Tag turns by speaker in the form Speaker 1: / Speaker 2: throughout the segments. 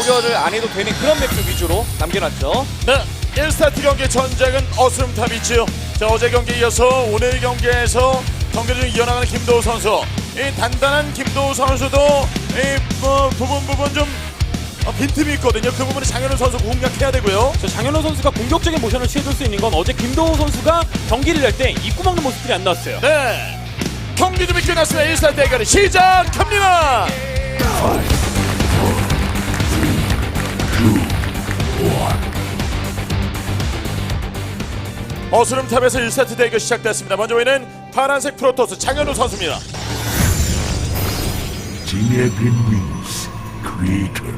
Speaker 1: 견제를 안 해도 되는 그런 맵들 위주로 남겨놨죠.
Speaker 2: 네, 1스타트 경기 전작은 어스름탑이지요. 자, 어제 경기에 이어서 오늘 경기에서 경기를 좀 이어나가는 김도우 선수. 이 단단한 김도우 선수도 이 부분 좀 빈틈이 있거든요. 그 부분은 장현우 선수 공략해야 되고요.
Speaker 3: 장현우 선수가 공격적인 모션을 취해줄 수 있는 건 어제 김도우 선수가 경기를 낼 때 입구 막는 모습들이 안 나왔어요.
Speaker 2: 네, 경기 준비 끝났습니다. 1스타트 대결이 시작합니다. 어스름탑에서 1세트 대결 시작됐습니다. 먼저 보이는 파란색 프로토스 장현우 선수입니다.
Speaker 4: Genevieve means creator.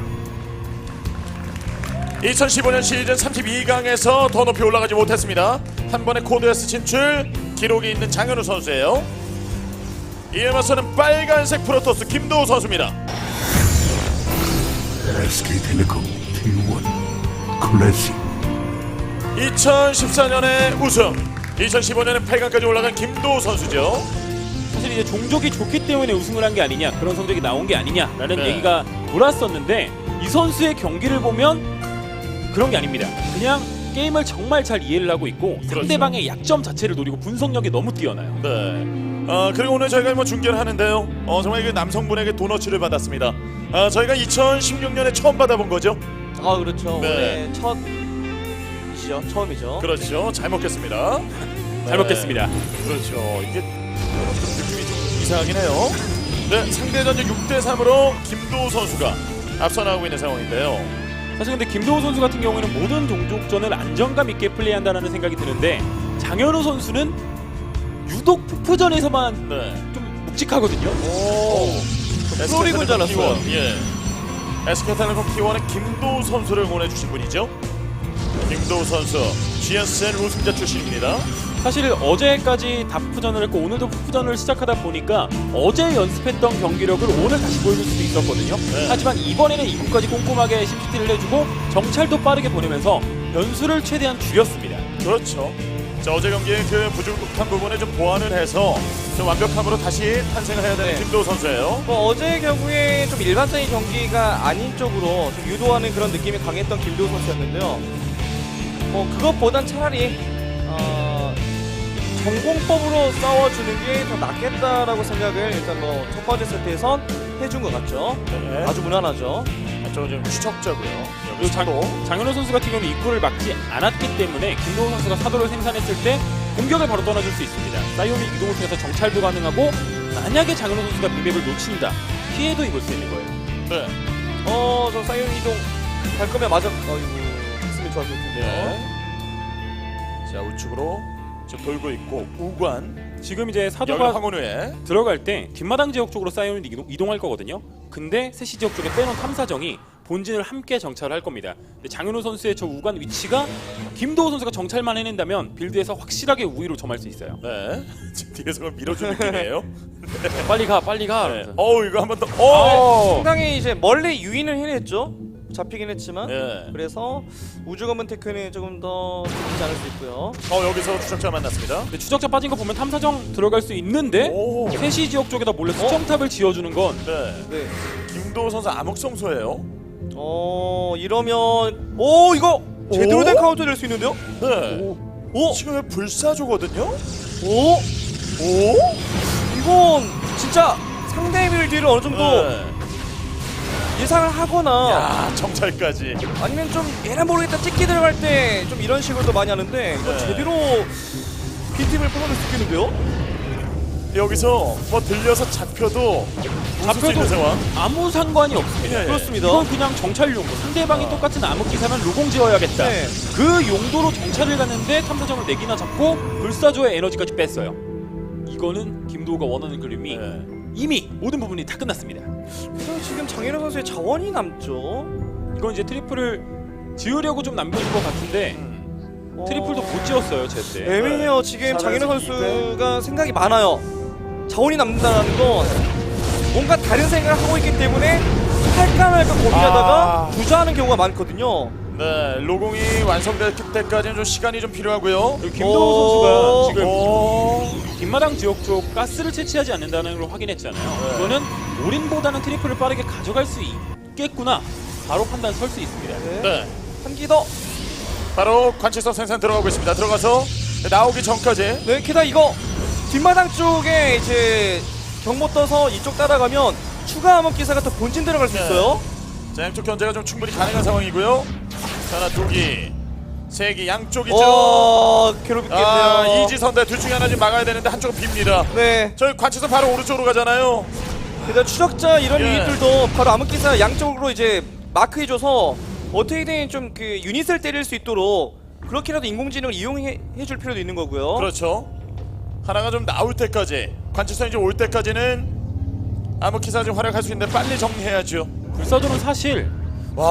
Speaker 2: 2015년 시즌 32강에서 더 높이 올라가지 못했습니다. 한 번의 코드에스 진출 기록이 있는 장현우 선수예요. 이에 맞서는 빨간색 프로토스 김도우 선수입니다.
Speaker 4: SK텔레콤 T1 클래식.
Speaker 2: 2014년에 우승, 2015년에 8강까지 올라간 김도우 선수죠.
Speaker 3: 사실 이제 종족이 좋기 때문에 우승을 한 게 아니냐, 그런 성적이 나온 게 아니냐라는
Speaker 2: 네.
Speaker 3: 얘기가 돌았었는데 이 선수의 경기를 보면 그런 게 아닙니다. 그냥 게임을 정말 잘 이해를 하고 있고
Speaker 2: 그렇죠.
Speaker 3: 상대방의 약점 자체를 노리고 분석력이 너무 뛰어나요.
Speaker 2: 네. 그리고 오늘 저희가 중계를 하는데요. 정말 그 남성분에게 도너츠를 받았습니다. 저희가 2016년에 처음 받아본 거죠.
Speaker 1: 아 그렇죠.
Speaker 2: 네.
Speaker 1: 올해 첫이죠. 처음이죠.
Speaker 2: 그렇죠. 잘 먹겠습니다.
Speaker 3: 잘 먹겠습니다.
Speaker 2: 그렇죠. 이게 느낌이 좀 이상하긴 해요. 네, 상대 전적 6대3으로 김도우 선수가 앞서 나가고 있는 상황인데요.
Speaker 3: 사실 근데 김도우 선수 같은 경우에는 모든 종족전을 안정감 있게 플레이한다는 생각이 드는데 장현우 선수는 유독 푸푸전에서만
Speaker 2: 네.
Speaker 3: 좀 묵직하거든요.
Speaker 1: 프로리그인 줄 알았어요.
Speaker 2: 예. SK텔레콤 T1의 김도우 선수를 보내주신 분이죠. 김도우 선수, GSN 우승자 출신입니다.
Speaker 3: 사실 어제까지 다 푸푸전을 했고 오늘도 푸푸전을 시작하다 보니까 어제 연습했던 경기력을 오늘 다시 보여줄 수도 있었거든요.
Speaker 2: 네.
Speaker 3: 하지만 이번에는 입구까지 꼼꼼하게 심시티를 해주고 정찰도 빠르게 보내면서 변수를 최대한 줄였습니다.
Speaker 2: 그렇죠. 자, 어제 경기의 그 부족한 부분에 좀 보완을 해서 좀 완벽함으로 다시 탄생을 해야 되는
Speaker 1: 네.
Speaker 2: 김도우 선수예요.
Speaker 1: 어제 경우에 좀 일반적인 경기가 아닌 쪽으로 좀 유도하는 그런 느낌이 강했던 김도우 선수였는데요. 그것보단 차라리 전공법으로 싸워주는 게 더 낫겠다라고 생각을 일단 첫 번째 세트에선 해준 것 같죠.
Speaker 2: 네.
Speaker 1: 아주 무난하죠.
Speaker 2: 저는 좀 추적자고요.
Speaker 3: 그리고 장현우 선수 같은 경우는 입구를 막지 않았기 때문에 김도우 선수가 사도를 생산했을 때 공격을 바로 떠나줄 수 있습니다. 사이오닉 이동을 통해서 정찰도 가능하고 만약에 장현우 선수가 빅맵을 놓친다 피해도 입을 수 있는 거예요.
Speaker 2: 네.
Speaker 1: 저 사이온 이동 갈 거면 맞아. 했으면 좋았을 텐데요.
Speaker 2: 네. 자, 우측으로 지금 돌고 있고 우관
Speaker 3: 지금 이제
Speaker 2: 여기
Speaker 3: 사도가
Speaker 2: 황혼우에
Speaker 3: 들어갈 때 뒷마당 지역 쪽으로 사이오닉 이동할 거거든요. 근데 세시 지역 쪽에 빼놓은 탐사정이 본진을 함께 정찰을 할 겁니다. 근데 장현우 선수의 저 우간 위치가 김도우 선수가 정찰만 해낸다면 빌드에서 확실하게 우위로 점할 수 있어요.
Speaker 2: 네. 지금 뒤에서 그걸 밀어주는 느낌이에요.
Speaker 3: 빨리 가, 빨리 가.
Speaker 2: 네.
Speaker 3: 이러면서.
Speaker 2: 이거 한 번 더.
Speaker 1: 상당히 이제 멀리 유인을 해냈죠. 잡히긴 했지만
Speaker 2: 네.
Speaker 1: 그래서 우주 검은 테크는 조금 더 잡히지 않을 수 있고요.
Speaker 2: 여기서 추적자 만났습니다.
Speaker 3: 근데 추적자 빠진 거 보면 탐사정 들어갈 수 있는데
Speaker 2: 오.
Speaker 3: 세시 지역 쪽에다 몰래 수정탑을 지어주는 건
Speaker 2: 네.
Speaker 1: 네.
Speaker 2: 김도우 선수 암흑성소예요.
Speaker 1: 이러면 이거 제대로 된 카운터 될 수 있는데요?
Speaker 2: 네. 지금 왜 불사조거든요?
Speaker 1: 이건 진짜 상대 빌드를 어느 정도
Speaker 2: 네.
Speaker 1: 예상을 하거나
Speaker 2: 야, 정찰까지.
Speaker 1: 아니면 좀 얘나 모르겠다 찍기 들어갈 때 좀 이런 식으로도 많이 하는데 이거
Speaker 2: 네.
Speaker 1: 제대로 빈틈을 뽑아낼 수 있겠는데요?
Speaker 2: 여기서 들려서 잡혀도 잡힐 수 있는 상황.
Speaker 3: 아무 상관이 없습니다.
Speaker 2: 예.
Speaker 1: 그렇습니다.
Speaker 3: 이건 그냥 정찰 용도. 상대방이 똑같은 암흑 기사면 로공 지어야겠다.
Speaker 1: 네.
Speaker 3: 그 용도로 정찰을 갔는데 탐사정을 4개나 잡고 불사조의 에너지까지 뺐어요. 이거는 김도우가 원하는 그림이
Speaker 2: 네.
Speaker 3: 이미 모든 부분이 다 끝났습니다.
Speaker 1: 그래서 지금 장현우 선수의 자원이 남죠.
Speaker 3: 이건 이제 트리플을 지으려고 좀 남겨준 것 같은데 트리플도 못 지었어요, 제때.
Speaker 1: 애매해요. 지금 장현우
Speaker 2: 400
Speaker 1: 선수가 생각이 많아요. 자원이 남는다는 건 뭔가 다른 생각을 하고 있기 때문에 할까 말까 고민하다가 주저하는 경우가 많거든요.
Speaker 2: 네, 로공이 완성될 때까지는 좀 시간이 좀 필요하고요.
Speaker 3: 그리고 김도우 선수가 지금
Speaker 2: 오.
Speaker 3: 뒷마당 지역 쪽 가스를 채취하지 않는다는 걸 확인했잖아요.
Speaker 2: 네.
Speaker 3: 이거는 올인보다는 트리플을 빠르게 가져갈 수 있겠구나 바로 판단 설 수 있습니다.
Speaker 2: 네.
Speaker 1: 한 기 더.
Speaker 2: 바로 관측선 생산 들어가고 있습니다. 들어가서 나오기 전까지.
Speaker 1: 네, 게다가 이거 뒷마당 쪽에 이제 경보 떠서 이쪽 따라가면 추가 암흑기사가 또 본진 들어갈 수
Speaker 2: 네.
Speaker 1: 있어요.
Speaker 2: 자, 양쪽 견제가 좀 충분히 가능한 상황이고요. 자, 하나, 두 기, 세 기, 양쪽이죠.
Speaker 1: 괴롭겠네요.
Speaker 2: 아, 이지선대 둘 중에 하나 지금 막아야 되는데 한쪽은 빕니다.
Speaker 1: 네,
Speaker 2: 저희 관측선 바로 오른쪽으로 가잖아요.
Speaker 1: 게다가 추적자 이런
Speaker 2: 예.
Speaker 1: 유닛들도 바로 암흑기사 양쪽으로 이제 마크해줘서 어떻게든 좀 그 유닛을 때릴 수 있도록 그렇게라도 인공지능을 이용해줄 필요도 있는 거고요.
Speaker 2: 그렇죠. 하나가 좀 나올 때까지, 관측선이 좀 올 때까지는 암흑기사 좀 활약할 수 있는데 빨리 정리해야죠.
Speaker 3: 불사조는 사실
Speaker 2: 와,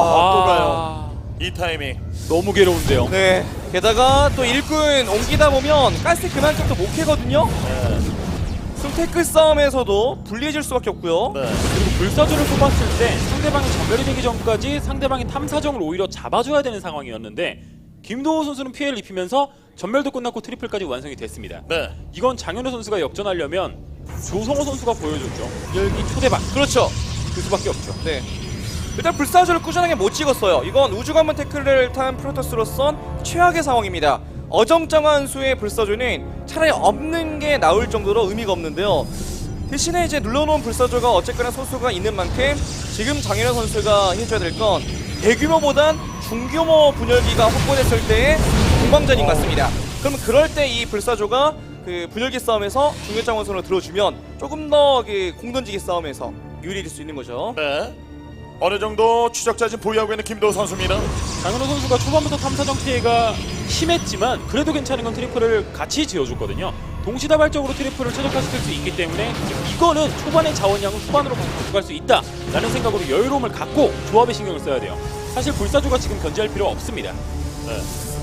Speaker 2: 또 가요. 이 타이밍.
Speaker 3: 너무 괴로운데요.
Speaker 1: 네, 게다가 또 일꾼 옮기다 보면 가스 그만큼 또 못 캐거든요.
Speaker 2: 네.
Speaker 1: 그럼 태클 싸움에서도 불리해질 수밖에 없고요.
Speaker 2: 네.
Speaker 3: 그리고 불사조를 뽑았을 때 상대방이 전멸이 되기 전까지 상대방의 탐사정을 오히려 잡아줘야 되는 상황이었는데 김도호 선수는 피해를 입히면서 전멸도 끝났고 트리플까지 완성이 됐습니다.
Speaker 2: 네.
Speaker 3: 이건 장현우 선수가 역전하려면 조성호 선수가 보여줬죠. 열기 초대박.
Speaker 1: 그렇죠.
Speaker 3: 그 수밖에 없죠.
Speaker 1: 네. 일단 불사조를 꾸준하게 못 찍었어요. 이건 우주관문 태클을 탄 프로토스로선 최악의 상황입니다. 어정쩡한 수의 불사조는 차라리 없는 게 나올 정도로 의미가 없는데요. 대신에 이제 눌러놓은 불사조가 어쨌거나 소수가 있는 만큼 지금 장현우 선수가 해줘야 될 건 대규모보단 중규모 분열기가 확보됐을 때의 공방전인 것 같습니다. 그러면 그럴 때 이 불사조가 그 분열기 싸움에서 중요장 원선으로 들어주면 조금 더 그 공던지기 싸움에서 유리해질 수 있는 거죠.
Speaker 2: 네. 어느 정도 추적자 지금 보유하고 있는 김도우 선수입니다.
Speaker 3: 장현우 선수가 초반부터 탐사정 피해가 심했지만 그래도 괜찮은 건 트리플을 같이 지어줬거든요. 동시다발적으로 트리플을 최적화시킬 수 있기 때문에 이거는 초반의 자원량을 후반으로 가져갈 수 있다라는 생각으로 여유로움을 갖고 조합에 신경을 써야 돼요. 사실 불사조가 지금 견제할 필요 없습니다.
Speaker 2: 네.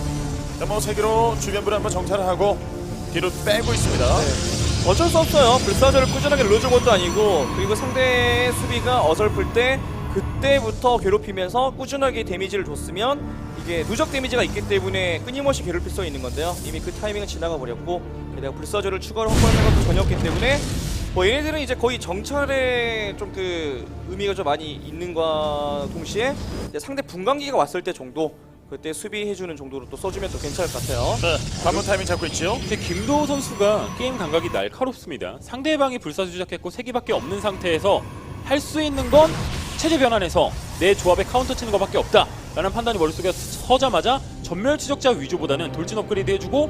Speaker 2: 자, 뭐 세기로 주변부를 한번 정찰을 하고 뒤로 빼고 있습니다.
Speaker 1: 어쩔 수 없어요. 불사조를 꾸준하게 눌러준 것도 아니고 그리고 상대의 수비가 어설플 때 그때부터 괴롭히면서 꾸준하게 데미지를 줬으면 이게 누적 데미지가 있기 때문에 끊임없이 괴롭힐 수 있는 건데요. 이미 그 타이밍은 지나가 버렸고 게다가 불사조를 추가로 확보하는 것도 전혀 없기 때문에 뭐 얘네들은 이제 거의 정찰에 좀 그 의미가 좀 많이 있는과 동시에 이제 상대 분광기가 왔을 때 정도 그때 수비해주는 정도로 또 써주면 또 괜찮을 것 같아요.
Speaker 2: 네. 관문 타이밍 잡고 있죠.
Speaker 3: 근데 김도호 선수가 게임 감각이 날카롭습니다. 상대방이 불사조 시작했고 3기밖에 없는 상태에서 할 수 있는 건 체제 변환해서 내 조합에 카운터 치는 것밖에 없다 라는 판단이 머릿속에 서자마자 전멸 추적자 위주보다는 돌진 업그레이드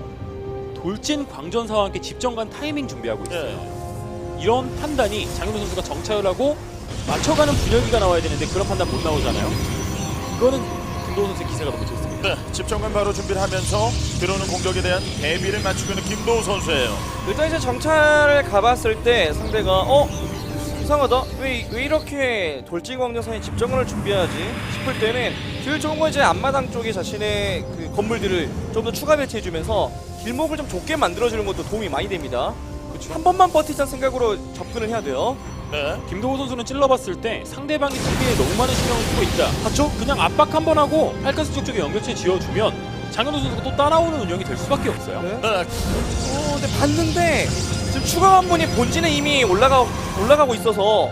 Speaker 3: 해주고 돌진 광전사와 함께 집정관 타이밍 준비하고 있어요. 이런 판단이 장현우 선수가 정찰을 하고 맞춰가는 분열기가 나와야 되는데 그런 판단 못 나오잖아요. 이거는 김도호 선수의 기세가 너무 좋습니다.
Speaker 2: 네. 집정관 바로 준비를 하면서 들어오는 공격에 대한 대비를 맞추고 있는 김도우 선수예요.
Speaker 1: 일단 이제 정찰을 가봤을 때 상대가 이상하다. 왜 이렇게 돌진광전사에 집정관을 준비하지 싶을 때는 제일 좋은 건 이제 앞마당 쪽에 자신의 그 건물들을 좀 더 추가 배치해주면서 길목을 좀 좁게 만들어주는 것도 도움이 많이 됩니다. 한 번만 버티자는 생각으로 접근을 해야 돼요.
Speaker 2: 네.
Speaker 3: 김도호 선수는 찔러봤을 때 상대방이 수비에 너무 많은 신경을 쓰고 있다.
Speaker 1: 맞죠?
Speaker 3: 그냥 압박 한 번 하고 팔가스 쪽쪽에 연결체 지어주면 장현우 선수가 또 따라오는 운영이 될 수밖에 없어요.
Speaker 1: 네.
Speaker 2: 네.
Speaker 1: 근데 봤는데 지금 추가 관문이 본진에 이미 올라가고 있어서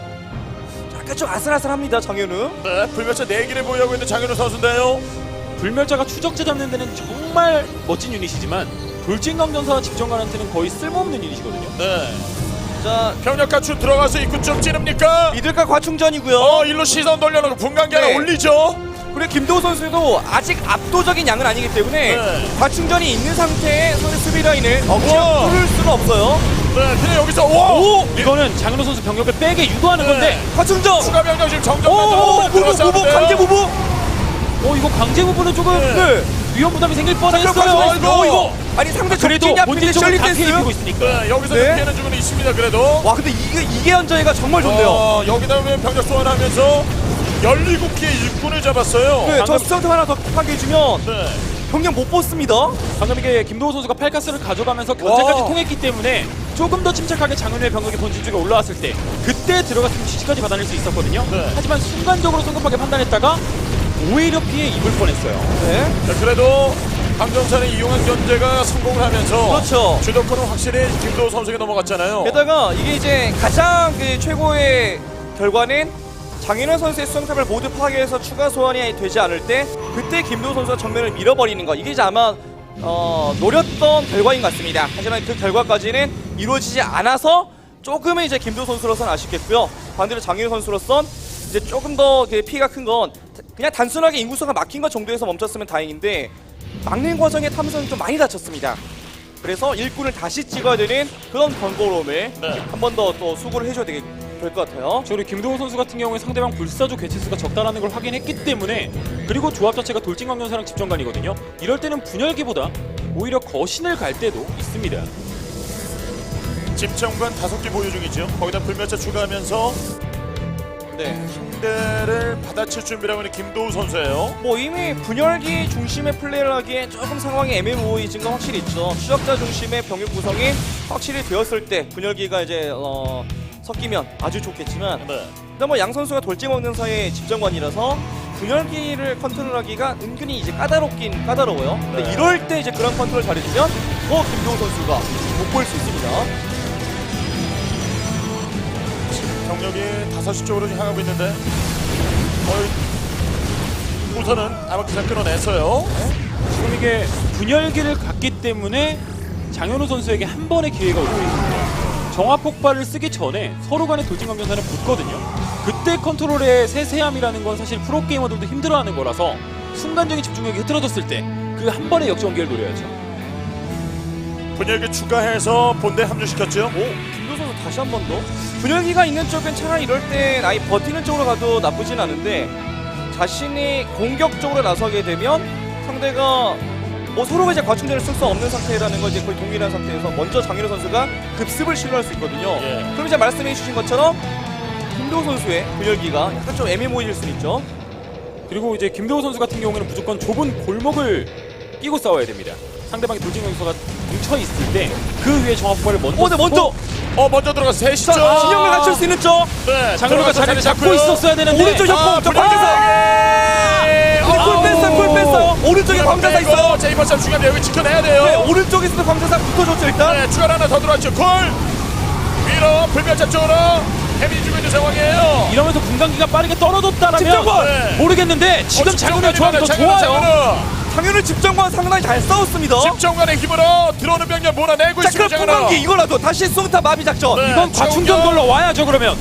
Speaker 1: 약간 좀 아슬아슬합니다. 장현우.
Speaker 2: 네. 불멸차 4기를 보유하고 있는 장현우 선수인데요.
Speaker 3: 불멸자가 추적자 잡는 데는 정말 멋진 유닛이지만 돌진강전사와 집정관한테는 거의 쓸모없는 유닛이거든요.
Speaker 2: 네.
Speaker 1: 자,
Speaker 2: 병력 갖추 들어가서 입구 좀 찌릅니까?
Speaker 1: 미들과 과충전이고요.
Speaker 2: 일로 시선 돌려놓고 분광기 하나
Speaker 1: 네.
Speaker 2: 올리죠.
Speaker 1: 그리고 김도호 선수도 아직 압도적인 양은 아니기 때문에
Speaker 2: 네.
Speaker 1: 과충전이 있는 상태에 상대 수비 라인을
Speaker 2: 우와.
Speaker 1: 억지로 뚫을 수는 없어요.
Speaker 2: 네. 그냥 여기서 와!
Speaker 3: 이거는 장현우 선수 병력을 빼게 유도하는
Speaker 2: 네.
Speaker 3: 건데
Speaker 1: 과충전.
Speaker 2: 추가 병력 지금
Speaker 1: 무브
Speaker 2: 정정만
Speaker 1: 강제 무브.
Speaker 3: 이거 강제 부분은 조금
Speaker 1: 네.
Speaker 3: 위험 부담이 생길 뻔했어요.
Speaker 1: 이거 아니 상대
Speaker 3: 그래도
Speaker 1: 적진이
Speaker 3: 본진
Speaker 1: 앞에
Speaker 3: 쪽은
Speaker 1: 셜리
Speaker 3: 다 피해 입히고
Speaker 1: 댄스.
Speaker 3: 있으니까.
Speaker 2: 네. 여기서
Speaker 1: 네.
Speaker 2: 피해는 주고는 있습니다. 그래도.
Speaker 1: 와 근데 이게 현저히가 정말 좋네요.
Speaker 2: 여기다 보면 병력 소환하면서 17개의 일꾼을 잡았어요.
Speaker 1: 네, 저
Speaker 3: 방금-
Speaker 1: 스턴트 하나 더 급하게 해주면
Speaker 2: 네.
Speaker 1: 병력 못 뽑습니다.
Speaker 3: 방금 이게 김도호 선수가 팔가스를 가져가면서 견제까지
Speaker 1: 와.
Speaker 3: 통했기 때문에 조금 더 침착하게 장현우의 병력이 본진 쪽에 올라왔을 때 그때 들어갔으면 지지까지 받아낼 수 있었거든요.
Speaker 2: 네.
Speaker 3: 하지만 순간적으로 성급하게 판단했다가 오히려 피해 입을 뻔했어요.
Speaker 1: 네.
Speaker 2: 자, 그래도 강정찬을 이용한 견제가 성공을 하면서
Speaker 1: 그렇죠.
Speaker 2: 주도권은 확실히 김도우 선수에게 넘어갔잖아요.
Speaker 1: 게다가 이게 이제 가장 그 최고의 결과는 장인호 선수의 수정탑을 모두 파괴해서 추가 소환이 되지 않을 때 그때 김도우 선수가 정면을 밀어버리는 거, 이게 이제 아마 노렸던 결과인 것 같습니다. 하지만 그 결과까지는 이루어지지 않아서 조금은 이제 김도우 선수로서는 아쉽겠고요. 반대로 장인호 선수로선 이제 조금 더 피해가 큰 건 그냥 단순하게 인구수가 막힌 것 정도에서 멈췄으면 다행인데 막는 과정에 탐선은 좀 많이 다쳤습니다. 그래서 일꾼을 다시 찍어야 되는 그런 번거로움을
Speaker 2: 네.
Speaker 1: 한 번 더 또 수고를 해줘야 될 것 같아요.
Speaker 3: 우리 김도우 선수 같은 경우에 상대방 불사조 개체수가 적다라는 걸 확인했기 때문에, 그리고 조합 자체가 돌진광전사랑 집정관이거든요. 이럴 때는 분열기보다 오히려 거신을 갈 때도 있습니다.
Speaker 2: 집정관 5개 보유 중이죠. 거기다 불멸자 추가하면서
Speaker 1: 네.
Speaker 2: 상대를 받아칠 준비라고 하는 김도우 선수예요.
Speaker 1: 뭐 이미 분열기 중심의 플레이를 하기에 조금 상황이 애매모호해진 건 확실히 있죠. 추적자 중심의 병력 구성이 확실히 되었을 때 분열기가 이제 섞이면 아주 좋겠지만
Speaker 2: 네.
Speaker 1: 일단 뭐 양 선수가 돌진 먹는 사이의 집정관이라서 분열기를 컨트롤하기가 은근히 이제 까다롭긴 까다로워요. 근데
Speaker 2: 네.
Speaker 1: 이럴 때 이제 그런 컨트롤 잘해주면 더 김도우 선수가 못 볼 수 있습니다.
Speaker 2: 경력이 5시 쪽으로 지금 향하고 있는데 우선은 아마키사 끊어냈어요.
Speaker 3: 지금 이게 분열기를 갔기 때문에 장현우 선수에게 한 번의 기회가 오고 있습니다. 정화 폭발을 쓰기 전에 서로 간의 돌진광전사는 붙거든요. 그때 컨트롤의 세세함이라는 건 사실 프로게이머들도 힘들어하는 거라서 순간적인 집중력이 흐트러졌을 때 그 한 번의 역전기를 노려야죠.
Speaker 2: 분열기 추가해서 본대 합류시켰죠.
Speaker 1: 김도우 선수 다시 한 번 더. 분열기가 있는 쪽은 차라리 이럴 땐 아예 버티는 쪽으로 가도 나쁘진 않은데 자신이 공격적으로 나서게 되면 상대가 뭐 서로가 이제 과충전을 쓸 수 없는 상태라는 걸 이제 거의 동일한 상태에서 먼저 장현우 선수가 급습을 시도할 수 있거든요.
Speaker 2: 예.
Speaker 1: 그럼 이제 말씀해 주신 것처럼 김도우 선수의 분열기가 약간 좀 애매모호해질 수 있죠.
Speaker 3: 그리고 이제 김도우 선수 같은 경우에는 무조건 좁은 골목을 끼고 싸워야 됩니다. 상대방이 돌진광전사가 뭉쳐 있을 때 그 위에 정화 폭발을 먼저
Speaker 1: 네, 먼저
Speaker 2: 먼저 들어가서 셋이죠.
Speaker 1: 진영을 갖출 수 있는 쪽.
Speaker 2: 네,
Speaker 3: 장현우가
Speaker 2: 들어가서
Speaker 3: 자리를 잡고
Speaker 2: 잡고요.
Speaker 3: 있었어야 되는데
Speaker 1: 오른쪽 협공 저
Speaker 2: 분열기
Speaker 1: 광자사. 풀 뺐어요, 풀 뺐어요. 오른쪽에 광자사 있어요.
Speaker 2: 자, 이번 참 중요합니다. 여기 지켜내야 돼요.
Speaker 1: 네, 오른쪽에서도 광자사 붙어줬죠 일단.
Speaker 2: 네, 추가 하나 더 들어왔죠. 콜 위로 불멸자 쪽으로 데미지 주고 있는 상황이에요.
Speaker 3: 이러면서 분광기가 빠르게 떨어졌다라면
Speaker 1: 집정관!
Speaker 2: 네.
Speaker 3: 모르겠는데 지금 장현우의 조합이 더 좋아요.
Speaker 1: 장현우 집정관 상당히 잘 싸웠습니다.
Speaker 2: 집정관의 힘으로 들어오는 병력 몰아내고
Speaker 1: 자,
Speaker 2: 있습니다.
Speaker 1: 그럼 풍광기 이거라도 다시 송타 마비 작전.
Speaker 2: 네.
Speaker 3: 이건 과충전
Speaker 2: 정경!
Speaker 3: 걸러 와야죠. 그러면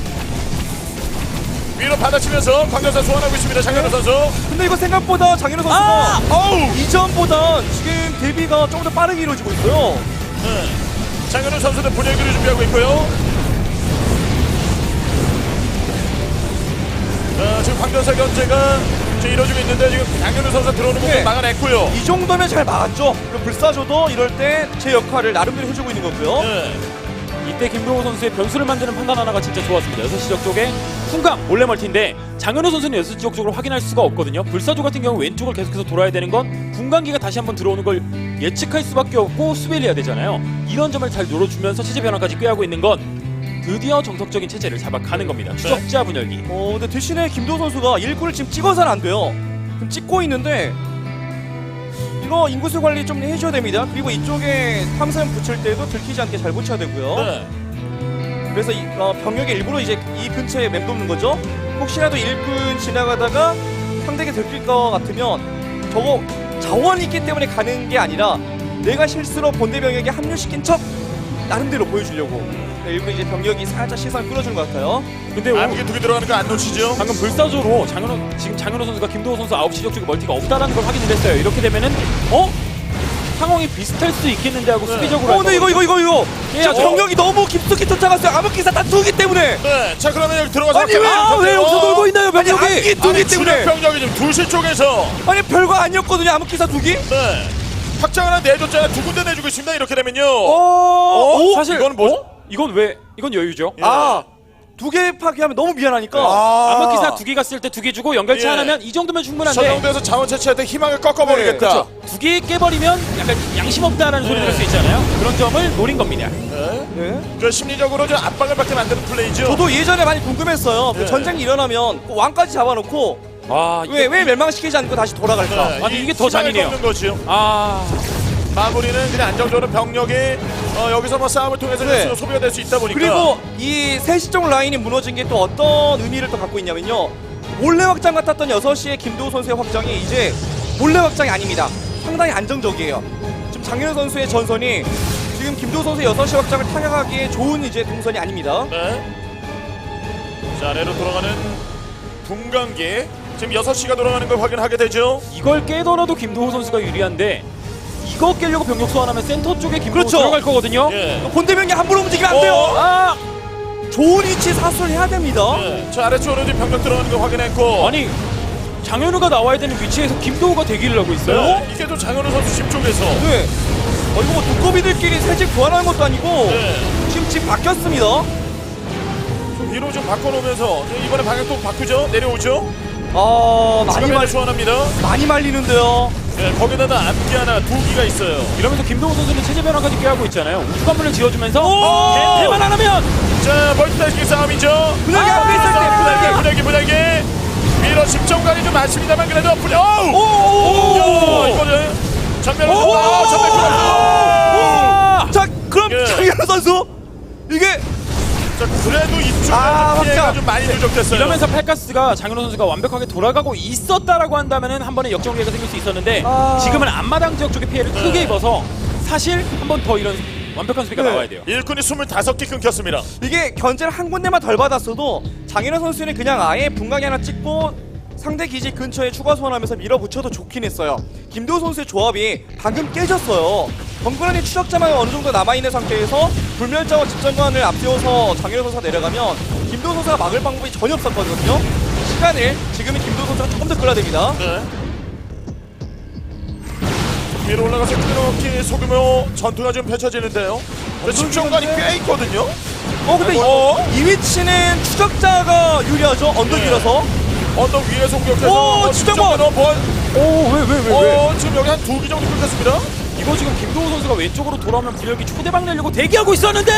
Speaker 2: 위로 받아치면서 광전사 소환하고 있습니다. 장현우 선수.
Speaker 1: 근데 이거 생각보다 장현우 선수가
Speaker 2: 어우.
Speaker 1: 이전보다 지금 데뷔가 조금 더 빠르게 이루어지고 있어요.
Speaker 2: 네. 장현우 선수는 분열기를 준비하고 있고요. 지금 광전사 견제가 지금 이루어지고 있는데 지금 장현우 선수 들어오는 부분
Speaker 1: 네.
Speaker 2: 막아냈고요.
Speaker 1: 이 정도면 잘 막았죠. 그럼 불사조도 이럴 때 제 역할을 나름대로 해주고 있는 거고요.
Speaker 2: 네.
Speaker 3: 이때 김도우 선수의 변수를 만드는 판단 하나가 진짜 좋았습니다. 6시 지역 쪽에 풍강 몰래 멀티인데 장현우 선수는 6시 지역 쪽으로 확인할 수가 없거든요. 불사조 같은 경우 왼쪽을 계속해서 돌아야 되는 건 분광기가 다시 한번 들어오는 걸 예측할 수밖에 없고 수비를 해야 되잖아요. 이런 점을 잘 노려주면서 체제 변화까지 꾀하고 있는 건 드디어 정석적인 체제를 잡아가는 겁니다. 추적자 분열기.
Speaker 1: 근데 대신에 김도우 선수가 일꾼을 지금 찍어서는 안 돼요. 지금 찍고 있는데 이거 인구수 관리 좀 해줘야 됩니다. 그리고 이쪽에 탐사형 붙일 때도 들키지 않게 잘 붙여야 되고요.
Speaker 2: 네.
Speaker 1: 그래서 병력이 일부러 이제 이 근처에 맴도는 거죠. 혹시라도 일꾼 지나가다가 상대에게 들킬 것 같으면 저거 자원이 있기 때문에 가는 게 아니라 내가 실수로 본대 병력에 합류시킨 척 나름대로 보여주려고 일부러 이제 병력이 살짝 시선 끌어주는 것 같아요.
Speaker 3: 근데
Speaker 2: 암흑이 2개 들어가는 거 안 놓치죠?
Speaker 3: 방금 불사조로 지금 장현우 선수가 김도우 선수 9시 지역 쪽에 멀티가 없다라는 걸 확인을 했어요. 이렇게 되면은 상황이 비슷할 수 있겠는데 하고 수비적으로
Speaker 1: 근데 이거
Speaker 3: 예,
Speaker 1: 자, 병력이 너무 깊숙이 쫓아갔어요. 암흑기사 다 두기 때문에.
Speaker 2: 네. 자, 그러면 여기 들어가서
Speaker 1: 아니 왜 여기서 놀고 있나요 병력이? 암흑기 두기 때문에.
Speaker 2: 병력이 지금 2시 쪽에서
Speaker 1: 아니 별거 아니었거든요. 암흑기사 두기.
Speaker 2: 네. 확장 하나 내줬잖아요. 2군데 내주고 있습니다. 이렇게 되면요.
Speaker 3: 사실
Speaker 2: 이건 뭐?
Speaker 3: 이건 여유죠.
Speaker 1: 두 개 파괴하면 너무 미안하니까.
Speaker 3: 암흑기사 2개 갔을 때 2개 주고 연결체
Speaker 2: 예.
Speaker 3: 하나면 이 정도면
Speaker 2: 저
Speaker 3: 충분한데
Speaker 2: 정도에서 자원 채취할 때 희망을 꺾어버리겠다.
Speaker 1: 네, 그렇죠.
Speaker 3: 2개 깨버리면 약간 양심 없다라는 소리 들을 수 있잖아요. 그런 점을 노린 겁니다.
Speaker 2: 네.
Speaker 1: 네.
Speaker 2: 그 심리적으로 좀 압박을 받게 만드는 플레이죠.
Speaker 1: 저도 예전에 많이 궁금했어요. 그
Speaker 2: 네.
Speaker 1: 전쟁이 일어나면 그 왕까지 잡아놓고
Speaker 3: 와,
Speaker 1: 왜 멸망시키지 않고 다시 돌아갈까?
Speaker 2: 네.
Speaker 3: 아니,
Speaker 2: 이
Speaker 3: 이게 더
Speaker 2: 희망을
Speaker 3: 잔인해요.
Speaker 2: 꺾는 거지요. 마무리는 그냥 안정적으로 병력이 여기서 뭐 싸움을 통해서
Speaker 1: 네.
Speaker 2: 소비가 될 수 있다 보니까.
Speaker 1: 그리고 이 3시 쪽 라인이 무너진 게 또 어떤 의미를 또 갖고 있냐면요. 몰래 확장 같았던 6시의 김도우 선수의 확장이 이제 몰래 확장이 아닙니다. 상당히 안정적이에요. 지금 장윤호 선수의 전선이 지금 김도우 선수의 6시 확장을 타격하기에 좋은 이제 동선이 아닙니다.
Speaker 2: 네. 자, 아래로 돌아가는 분광기. 지금 6시가 돌아가는 걸 확인하게 되죠.
Speaker 3: 이걸 깨더라도 김도호 선수가 유리한데 이거 깨려고 병력 소환하면 센터 쪽에 김도호
Speaker 1: 그렇죠.
Speaker 3: 들어갈 거거든요.
Speaker 2: 예.
Speaker 1: 본대병이 함부로 움직이면 안 돼요.
Speaker 3: 아!
Speaker 1: 좋은 위치에 사수를 해야 됩니다.
Speaker 2: 네. 저 아래쪽으로 지금 병력 들어가는 걸 확인했고.
Speaker 3: 아니 장현우가 나와야 되는 위치에서 김도호가 대기를 하고 있어요.
Speaker 2: 네. 이게 또 장현우 선수 집 쪽에서.
Speaker 1: 네. 이거 뭐 두꺼비들끼리 새 집 교환하는 것도 아니고
Speaker 2: 네.
Speaker 1: 지금 집 바뀌었습니다.
Speaker 2: 좀 위로 좀 바꿔놓으면서 이번에 방향 또 바꾸죠. 내려오죠.
Speaker 1: 많이
Speaker 2: 소환합니다.
Speaker 1: 많이 말리는데요.
Speaker 2: 네, 거기다가 앞기 하나, 2기가 있어요.
Speaker 3: 이러면서 김도호 선수는 체제 변화까지 꾀하고 있잖아요. 우주관문을 지어주면서
Speaker 2: 오!
Speaker 3: 대만 안 하면
Speaker 2: 자, 멀티타스킹 싸움이죠.
Speaker 1: 분열기 앞에 있을 때
Speaker 2: 분열기. 밀어 10점까지 좀 많습니다만 그래도 분열.
Speaker 1: 오!
Speaker 2: 이거는 전면으로.
Speaker 1: 자, 그럼
Speaker 2: 예.
Speaker 1: 장현우 선수 이게
Speaker 2: 자, 그래도 이쪽에 피해가
Speaker 1: 확장.
Speaker 2: 좀 많이 누적됐어요.
Speaker 3: 이러면서 팔가스가 장현우 선수가 완벽하게 돌아가고 있었다라고 한다면은 한 번에 역전기가 생길 수 있었는데 지금은 앞마당 지역 쪽에 피해를 크게 입어서 사실 한 번 더 이런 완벽한 수비가 나와야 돼요.
Speaker 2: 일꾼이 25개 끊겼습니다.
Speaker 1: 이게 견제를 한 군데만 덜 받았어도 장현우 선수는 그냥 아예 분광이 하나 찍고 상대 기지 근처에 추가 소환하면서 밀어붙여도 좋긴 했어요. 김도우 선수의 조합이 방금 깨졌어요. 덩그러니 추적자만 어느 정도 남아있는 상태에서 불멸자와 집전관을 앞세워서 장현우 선수가 내려가면 김도우 선수가 막을 방법이 전혀 없었거든요. 시간을 지금은 김도우 선수가 조금 더 끌어야 됩니다.
Speaker 2: 네. 위로 올라가서 끊어먹기 소규모 전투가 좀 펼쳐지는데요. 집중관이 꽤 있거든요.
Speaker 1: 근데 이 위치는 추적자가 유리하죠. 언덕이라서.
Speaker 2: 언덕 위에서 공격해서
Speaker 1: 오, 진짜 뭐.
Speaker 3: 왜?
Speaker 2: 지금 여기 한 2기 정도 끊겼습니다.
Speaker 3: 이거 지금 김도호 선수가 왼쪽으로 돌아오면 분열기 초대박 내려고 대기하고 있었는데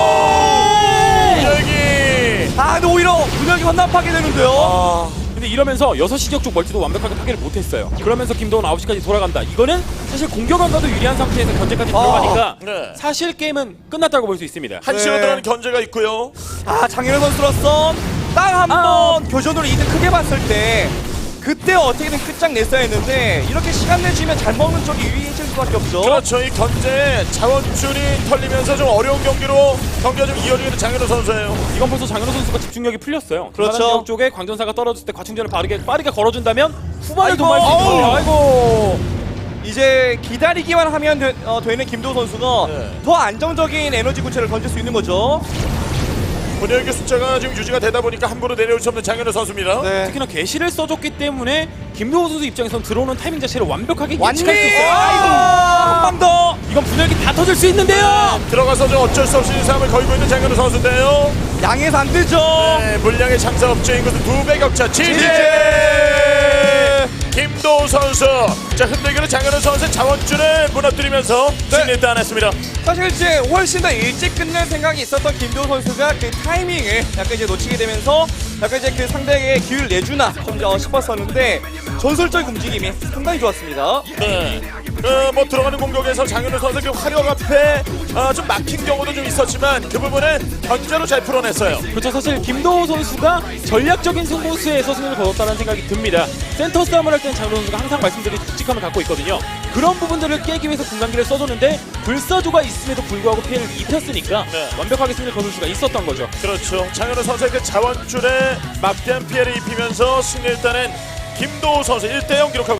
Speaker 2: 여기.
Speaker 1: 근데 오히려 분열기 헌납하게 되는데요.
Speaker 3: 근데 이러면서 6시 지역 쪽 멀티도 완벽하게 파괴를 못했어요. 그러면서 김도호는 9시까지 돌아간다. 이거는 사실 공격안 가도 유리한 상태에서 견제까지 들어가니까
Speaker 2: 네.
Speaker 3: 사실 게임은 끝났다고 볼 수 있습니다.
Speaker 2: 한시로
Speaker 1: 네.
Speaker 2: 들어가는 견제가 있고요.
Speaker 1: 장현우 선수로서 딱 한 번 교전으로 이득 크게 봤을 때 그때 어떻게든 끝장냈어야 했는데 이렇게 시간 내주면 잘 먹는 쪽이 유리해질 수밖에 없죠.
Speaker 2: 그렇죠. 이 견제 자원줄이 털리면서 좀 어려운 경기로 경기가 좀 이어지는 장현우 선수예요.
Speaker 3: 이건 벌써 장현우 선수가 집중력이 풀렸어요.
Speaker 1: 그렇죠.
Speaker 3: 지역 쪽에 광전사가 떨어졌을 때 과충전을 빠르게 걸어준다면 후반을
Speaker 1: 아이고,
Speaker 3: 도모할 수 있거든요.
Speaker 1: 어우.
Speaker 3: 아이고.
Speaker 1: 이제 기다리기만 하면 되는 김도우 선수가
Speaker 2: 네.
Speaker 1: 더 안정적인 에너지 구체를 던질 수 있는 거죠.
Speaker 2: 분열기 숫자가 지금 유지가 되다 보니까 함부로 내려올 수 없는 장현우 선수입니다.
Speaker 1: 네.
Speaker 3: 특히나 개시를 써줬기 때문에 김도호 선수 입장에선 들어오는 타이밍 자체를 완벽하게
Speaker 1: 완리!
Speaker 3: 예측할 수 있어요.
Speaker 1: 한 방 더!
Speaker 3: 이건 분열기 다 터질 수 있는데요.
Speaker 2: 들어가서 좀 어쩔 수 없이 싸움을 걸고 있는 장현우 선수인데요.
Speaker 1: 양해서 안 되죠.
Speaker 2: 네, 물량의 장사 업체인 것은 2배 격차. 지지! 김도우 선수. 자, 흔들기는 장현우 선수의 자원줄을 무너뜨리면서 승리를 따냈습니다.
Speaker 1: 사실 이제 훨씬 더 일찍 끝낼 생각이 있었던 김도우 선수가 그 타이밍을 약간 이제 놓치게 되면서 약간 이제 그 상대에게 기회를 내주나 좀 싶었었는데 전술적 움직임이 상당히 좋았습니다.
Speaker 2: 네. 뭐 들어가는 공격에서 장현우 선수 그 화력 앞에 좀 막힌 경우도 좀 있었지만 그 부분은 견제로 잘 풀어냈어요.
Speaker 3: 그렇죠. 사실 김도호 선수가 전략적인 승부수에서 승리를 거뒀다는 생각이 듭니다. 센터 싸움을 할 때는 장현우 선수가 항상 말씀드린 묵직함을 갖고 있거든요. 그런 부분들을 깨기 위해서 분광기를 써줬는데 불사조가 있음에도 불구하고 피해를 입혔으니까
Speaker 2: 네.
Speaker 3: 완벽하게 승리를 거둘 수가 있었던 거죠.
Speaker 2: 그렇죠. 장현우 선수의 그 자원줄에 막대한 피해를 입히면서 승리를 따낸 김도우 선수 1대0 기록하고